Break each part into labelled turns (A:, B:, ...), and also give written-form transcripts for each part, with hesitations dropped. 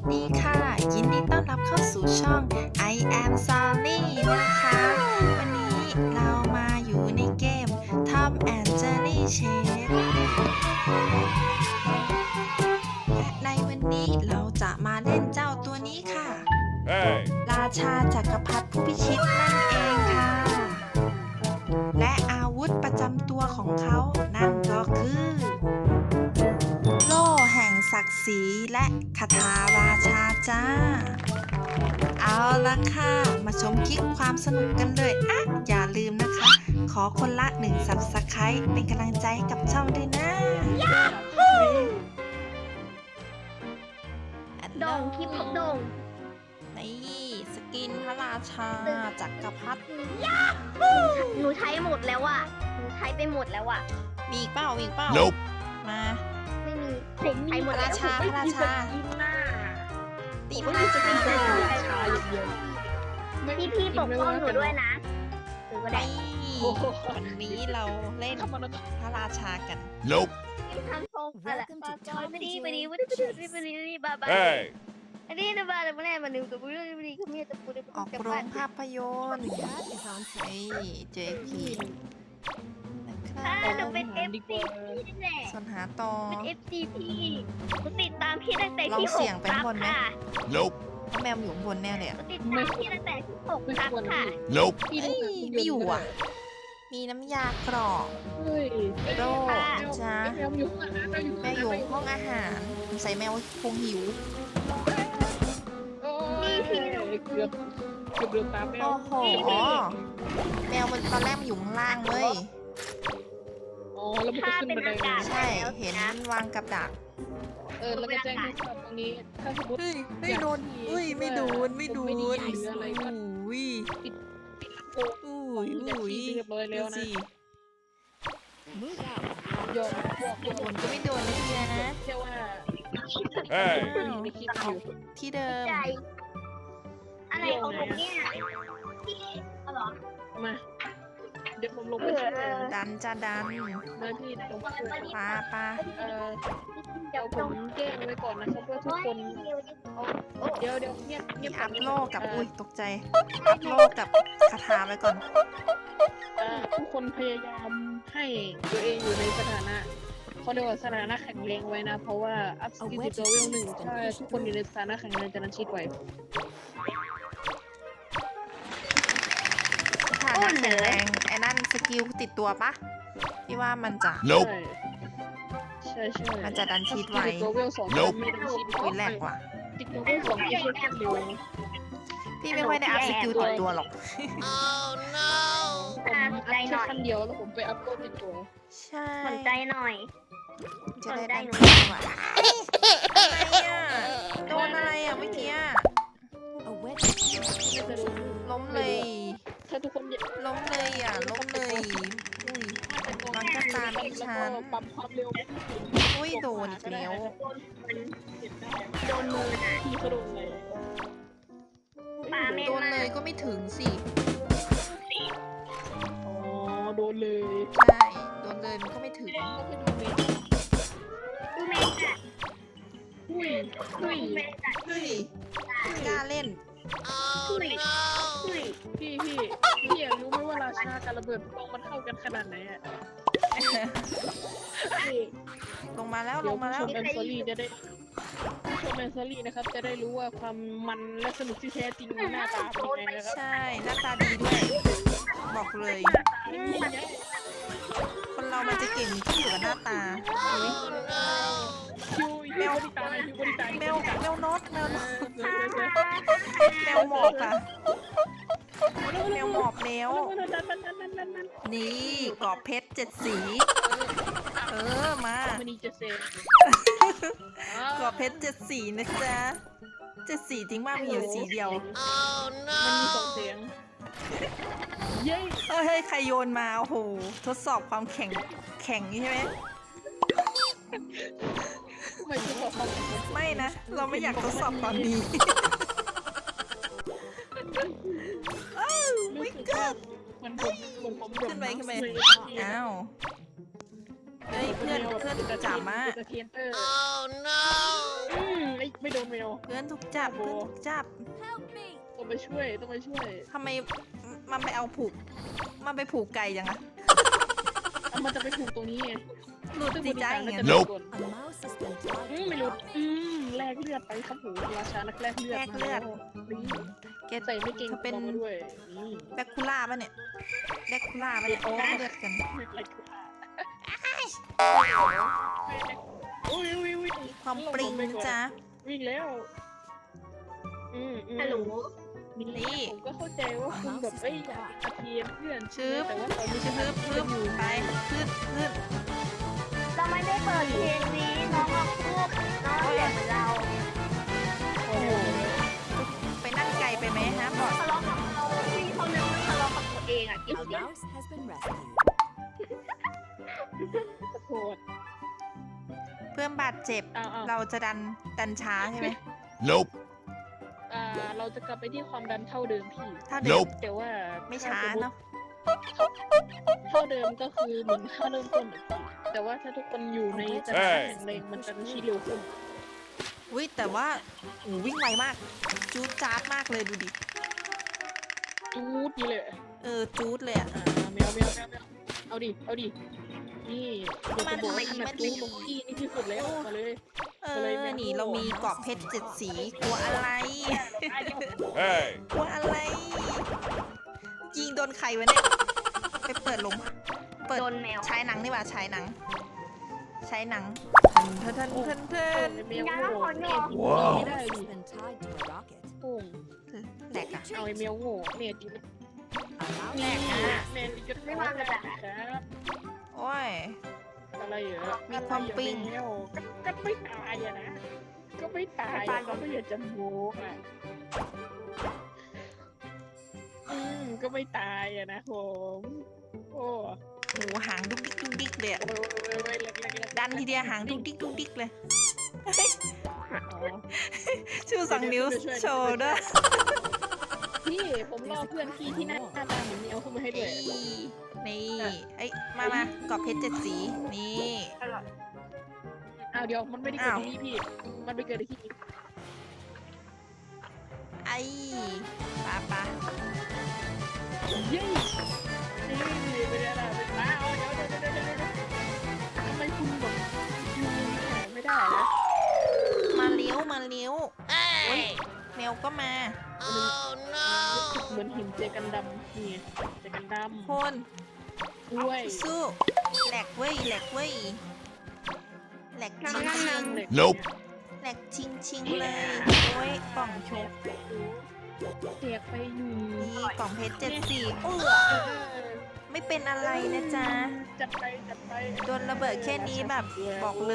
A: ดีค่ะยินดีต้อนรับเข้าสู่ช่อง I am Sally นะคะ วันนี้เรามาอยู่ในเกม Tom and Jerry Chase และในวันนี้เราจะมาเล่นเจ้าตัวนี้ค่ะ
B: Hey!
A: ราชาจักรพรรดิผู้พิชิตนั่นเองค่ะ และอาวุธประจำตัวของเขานั่นก็คือโล่แห่งศักดิ์ศรีและคาถาราชาจ้า เอาละค่ะ มาชมคลิปความสนุกกันเลยอย่าลืมนะคะ ขอคนละ1 Subscribe เป็นกำลังใจให้กับช่องด้วยนะ
C: โด่งคลิปโด่ง
A: นี่สกินพระราชาจักรพรรดิ
C: หนูใช้หมดแล้วอ่ะหนูใช้ไปหมดแล้วอ่ะ
A: มีอีกเปล่ามีอีกเปล่า
B: Nope
A: มา
C: ไม่มีใช้หมดแล้ว
A: พระราชา
C: ตีพระราชา
A: พี่
C: ปกป้องหนูด้วยนะหนูก็ได้
A: วันนี้เราเล่นพระราชากัน
B: Nope
C: ทำทรงอะไรไปดีบาบา
B: Hey!
C: อันนี้นะบาเลยมาแน่มาหนึ่งตัวบุรีบุรีเขามีตะปูได้
A: ออกโรงภาพยนตร์ไอ้เจพีนะครับ
C: หนูเป็น FCP นี่แหละ
A: ส่วนหาต่อ
C: เป็น FCP หนูติดตามพี่ตั้งแต่
A: ลอง
C: ที่
A: เสี่ยงไป
C: 6
A: ข้างบนไหม
C: ค่ะ
B: Nope
A: เพราะแมวอยู่ข้างบนแน่เลย
C: หนูติดตามพี่ตั้งแต่ที่6ครับค่ะ
B: Nope
A: ไม่อยู่อ่ะ มีน้ำยากรอกโดจ้าแมวอยู่ห้องอาหารใส่แมวคงหิว
D: เกือบเดือดตามแมว
A: โอ้โหแมวมันตอนแรกมันอยู่ข้างล่างเว้ย
D: อ๋อแล้วมันจะขึ้นบันไดมา
A: ใช่ เห็นวางกับดัก
D: แล้วก็แจ้งให้ทราบตรงนี้ถ้าสมมติ
A: ไม่โดนไม่โดนอุ้ยอุ้ยสิ
D: ยอม
A: โดนก็ไม่โดนนะทีนะ
D: แค่ว่า
B: Hey!
D: ในคลิปอยู่
A: ที่เดิม
C: ใจอะไรของผมเนี่ยพี่เอาเหรอ
D: มาเดี๋ยวผมลงไปช่วย
A: ดันจะดัน
D: มาพี่ลงไปช่วย
A: ปลา
D: เดี๋ยวผมแจ้งไว้ก่อนนะครับเพื่อทุกคนเดี๋ยวเงียบ
A: มีอัพโลกับอุ้ยตกใจอัพโลกับคาถาไปก่อน
D: ทุกคนพยายามให้ตัวเองอยู่ในสถานะเขาเรียกว่าสถานะแข็งแรงไว้นะ เพราะว่าอัพสกิลติดตัวเวลหนึ่งถ้าทุกคนอยู่ในสถานะแข็งแรงจะนั้นชีดไหว
A: ฐานะแข็งแรงไอ้นั่นสกิลติดตัวปะที่ว่ามันจะ
B: Nope
D: ใช่
A: มันจะดันชีดไว้
D: ติดตัวเวลสอง
B: Nope
D: ไม่ดันชีด
A: อุ้ยแหลกว่ะ
D: ติดตัวเวลสองไม่ใช่แค่เร็ว
A: พี่ไม่ค่อยได้อัพสกิลติดตัวหรอก
D: ผมอัพแค่ขั้นเดียวแล้วผมไปอัพโหลดติดตัว
A: ใช่
C: สนใจหน่อย
A: จะได้ดันชีดไว้อะไรอ่ะโดนอะไรอ่ะเมื่อกี้
D: ไม่จะรู้
A: ล้มเลย
D: ถ้าทุกคนอยาก
A: ล้มเลยอ่ะล้มเลยอุ้ย มันก็ตามที่ฉัน
D: แล้วก็ปรับความเร็ว
A: อุ้ยโดนอีกแล้ว
C: โดนมือนะ
D: พี่เขาโดนเลย
C: ปลาเมน
A: โดน
C: มา
A: เลยก็ไม่ถึงสิ
D: อ๋อโดนเลย
A: ใช่โดนเลยมันก็ไม่ถึง
D: ก็ไปดูเมน
C: ดูเมนจ้ะ
D: อุ้ย
C: ดูเมนจ้ะ
A: เฮ้ยกล้าเล่น
C: คุย
D: พี่อยากรู้ไหมว่าราชากับระเบิดปิงปองมันเข้ากันขนาดไหนอ่ะ
A: ลงมาแล้ว
D: เดี๋
A: ล
D: ยว
A: งมา
D: ผู้
A: แล้ว
D: ชมแอนซอรี่จะได้ผู้ชมแอนซอรี่นะครับจะได้รู้ว่าความมันและสนุกที่แท้จริงในหน้าตาเป็นยังไงนะครับ
A: ใช่หน้าตาดีด้วย บอกเลย คนเรามันจะเก่งที่อยู่กับหน้าตาอุ๊ย
D: คิวบริตายคิวบริตาย
A: แมวนกแมวหมอบอ่ะแมวหมอบแล้ว นี่กรอบเพชร7 สีมา
D: มันนี่จะเซฟ
A: กรอบเพชร7 สีนะจ๊ะ7 สีจริงมากมีอยู่สีเดียว
D: มันมี2 เสียงเย้
A: เฮ้ยใครโยนมาโอ้โหทดสอบความแข็งใช่ไหม
D: ไม่ใช่บอกความ
A: ไม่นะ เราไม่อยากทดสอบตอนนี้
D: รู้สึกว่ามันผม
A: ขึ้นไปอ้าวเฮ้ยเพื่อนจ๋ามา
D: ไม่โดนแมว
A: เพื่อนถูกจับ เพื่อนถูกจับ
D: ต้องไปช่วย
A: ทำไมมันไปเอาผูก มันไปผูกไก่ยังอะ
D: มันจะไปถูกตรงนี้ไง
A: หลุดสิจ้าอย่างเงี้ย
B: Nope
D: ไม่รู้แลกเลือดไปครับผมราชานักแลกเลือด
A: แลกเลือด
D: นี่
A: แก
D: ใส่ไม่เก่ง
A: เธอเป็น
D: มาด้วยนี่
A: แบคคูล่าป่ะเนี่ยแบคคูล่าป่ะเนี่ยแลกเลือดกัน
D: อะไรคืออุ้ย
A: ความปริงนะจ๊ะ
D: วิ่งแล้ว
C: ฮัลโหล
A: นี่
D: ผมก็เข้าใจว่าคุณแบบอยากอาเทียนเพื่อน
A: ชึบ
D: แต่ว่าตอนนี้
A: ชึบพึ่บไปขึ้น
C: เราไม่ได้เปิดเพลงนี้น้องมาพูดน้องเสียงเหมือนเรา
D: โอ้โห
A: ไปนั่งไกลไปไหมฮะบอด
C: ทะเลาะกับเราพี่เขาเรียกว่าทะเลาะกับตัวเองอ่ะคิด
E: A
C: ดิ
E: mouse has been rescued.
D: ขอโทษ
A: เพื่อนบาดเจ็บ
D: เอา
A: เราจะดันช้าใช่ไหม
B: Nope.
D: เราจะกลับไปที่ความดันเท่าเดิมพี่
A: ถ้าเดิม
B: Nope
D: แต่ว่า
A: ไม่ช้าเนาะ
D: เท่าเดิมก็คือเหมือนค่าเริ่มต้นอะพี่แต่ว่าถ้าทุกคนอยู่ในสถานะแข็งแรงมันจะชี้เร็วขึ้น
A: อุ้ยแต่ว่าโอ้วิ่งไวมาก จูดจ๊าดมากเลยดูดิ
D: จูดนี่เลย
A: จูดเลยอะ
D: แมวเอาดินี่เดี๋ยวจะบอกว่าขนาดจูดตรงพี่นี่ที่สุดแล้วมาเลย
A: นี่เรามีเกาะเพชร7 สีกลัวอะไร
B: Hey.
A: กลัวอะไร ยิงโดนใครวะเนี่ย ไปเปิดลงเปิด
C: โดนแมว
A: ฉายหนังนี่หว่าฉายหนังเทิน
D: แมวโง่แม่
B: ว้าว
D: ไม่ได้
E: Mouse
D: ดิ
E: has been tied to a rocket.
D: โป่ง
A: แหลกอะ
D: เอาไอ้แมวโง่แม่ดีไหม
E: A mouse
D: แม่
E: has
D: แม่ดีก็
C: ไม่วางกระดาษ
D: ครับ
A: โอ้ย
D: อะไรเหรอ
A: มีความปิ้ง
D: อะไรเหรอแมวก็ไม่ตายอะนะก็ไม่ตายอะเขาไม่อยากจะโม้อะก็ไม่ตายอะนะผมโอ้
A: โหหางดุกดิกเลยอะ
D: โอ้ยเล็ก
A: ดันทีเดียวหางดุกดิกเลย
D: อ๋อ
A: ชูสองนิ้วโชว์ด้วย
D: พี่ผมรอเพื่อนพี่ที่หน้าตาเหมือนแมวเข้ามาให้ด้วย
A: นี่เอ้ยมาเกาะเพชร7 สีนี่
D: อ้าวเดี๋ยวมันไม่ได้เกิดที่นี่พี่ มันไปเกิดที่นี่
A: ไอ้ปะ
D: เย้นี่ไม่ได้ละไม่ได้เดี๋ยวทำไมคุณแบบอยู่เนี่ยไม่ได้นะ
A: มาเลี้ยวโอ้ยแมวก็มา
D: เหมือนหินเจกันดำนี่เจกันดำ
A: คน
D: ด้วย
A: สู้แหลกเว้ยแหลกจริง
B: Nope
A: แหลกชิงเลยโอ้ยกล่องโชว์
D: เสียกไปอยู่
A: นี่กล่องเพชร7 สีไม่เป็นอะไรนะจ๊ะ
D: จัดไป
A: โดนระเบิดแค่นี้แบบบอกเลย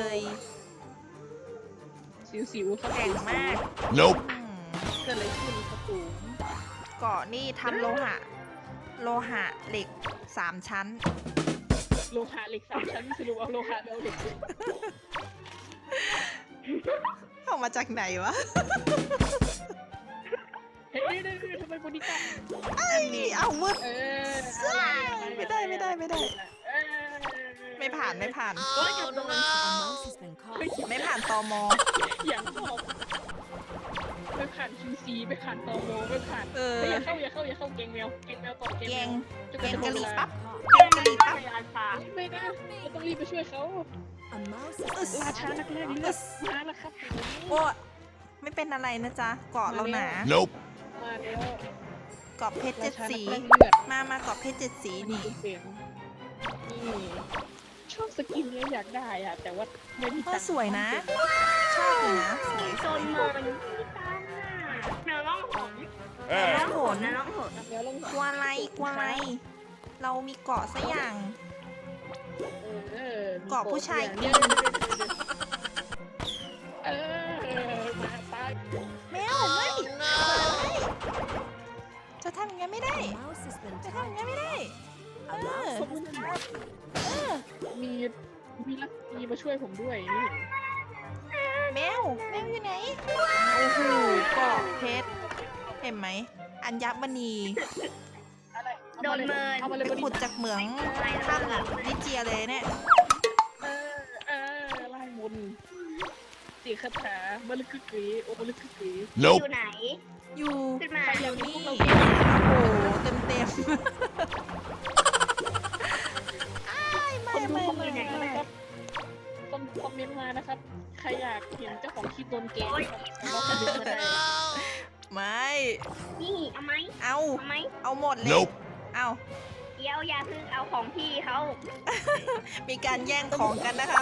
D: สิวๆครับ
A: แข็งมาก
B: Nope
D: เกิดอะไรขึ้นครับผม
A: เกาะนี่ทำโลหะเหล็ก3 ชั้น
D: โลหะเหล็ก3 ชั้นสรุปเอาโลหะเอาเหล็ก
A: เอามาจากไหนวะ
D: เฮ้ยทำไมคนนี้กัน
A: เอามืด ไม่ได้
D: เออ
A: ไม่ผ่าน
E: A mouse has been caught.
A: ไม่ผ่านตม
D: อย่างชอบไม่ผ่าน QC ไม่ผ่านตมไม่ผ่าน อย่าเข้าเกงแมวต่อเกง
A: แก
D: แม
A: ง
D: ว
A: แกงกะหรี่ปั๊บ
E: Caught.
A: แกงกะหรี่ปั๊บ
D: ไม่นะเราต้องรีบไปช่วยเขา
E: A mouse has been
D: ราชา
E: tied
D: นัก
E: to
D: แร
E: a
D: กเลือ
E: rocket.
D: ดมาแล้วครับ
A: โอ้ไม่เป็นอะไรนะจ๊ะเกาะเราหนา
B: Nope
D: มาแล้ว
A: เกาะเพชร
D: ราชา
A: 7 สี
D: นักแรกเลือด
A: มาเกาะเพชร7 สีนี่
D: เสียงนี่ชอบสกินเนี้ยอยากได้อะแต่ว่าไม่มี
A: ก็
D: ตังค์
A: สวยนะ ชอบอยู่นะสวย
C: โดนเมินแมวร้องหง
B: Hey.
A: น้องโหน
C: แมวร้องหง
D: แล้วลง
A: กลัวอะไรเรามีเกาะซะอย่าง เกาะผู้ชาย
D: เนี่ยมาตาย
A: แมวไม่จะทำอย่างนั้นไม่ได้
E: A mouse has been
A: จะ
E: tied
A: ทำอย่างนั้น
E: to
A: ไม่
E: a
A: ได้
E: rocket. A mouse has been rescued.
D: มีมาช่วยผมด้วยนี่
A: แมวอยู่ไหนโอ้โหเกาะเพชรเห็นไหมอัญมณี
D: อะไร
C: โดนเมิน
D: เอามาเลย
A: ไปขุดจากเหมืองถ้ำลิเจียเลยเนี่ย
D: ไล่มนเสียงคาถามาลึกกึกกึ๋ยโอ้มาลึกกึกกึ๋ย
C: อ
B: Nope.
C: ยู่ไหน
A: อยู่
C: ขึ้นมา
A: อยู่นี่
D: เรา
A: โอ้โหเต็ม
D: ค
A: ไม่
D: นดู
A: ไม่
D: คอมเม
A: ไม่
D: นต์มานะครับคนคอมเมนต์มานะครับใครอยากเห็นเจ้าของคลิปโดนแกล้งนะครับเราคอมเมนต์มาได้
A: ไม่
C: นี่เอาไหม
A: เอา
C: เอาไหม
A: เอาหมดเลย
B: Nope.
A: เอา
C: เดี๋ยวอย่าเพิ่งเอาของพี่เขา
A: มีการแย่งของกันนะครับ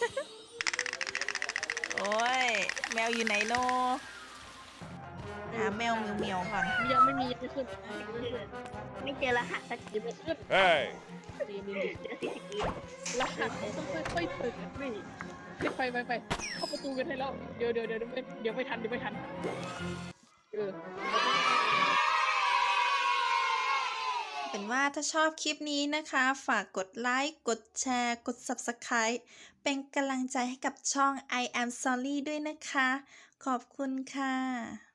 A: โอ้ย แมวอยู่ไหนโนหาแมวเหมียวๆก่อน
D: ยังไม่มียังไม่ขึ้น
C: ไม่เจอรหัสสักที
D: ยังไม่ขึ้น
B: Hey.
D: ดีดี
C: เจอ40 ปี
D: รหัสต้องค่อยๆเปิดนี่ไปเข้าประตูกันให้แล้วเดี๋ยวไม่ทันเออ
A: เป็นว่าถ้าชอบคลิปนี้นะคะ ฝากกดไลค์ กดแชร์ กด Subscribe เป็นกำลังใจให้กับช่อง I am sorry ด้วยนะคะ ขอบคุณค่ะ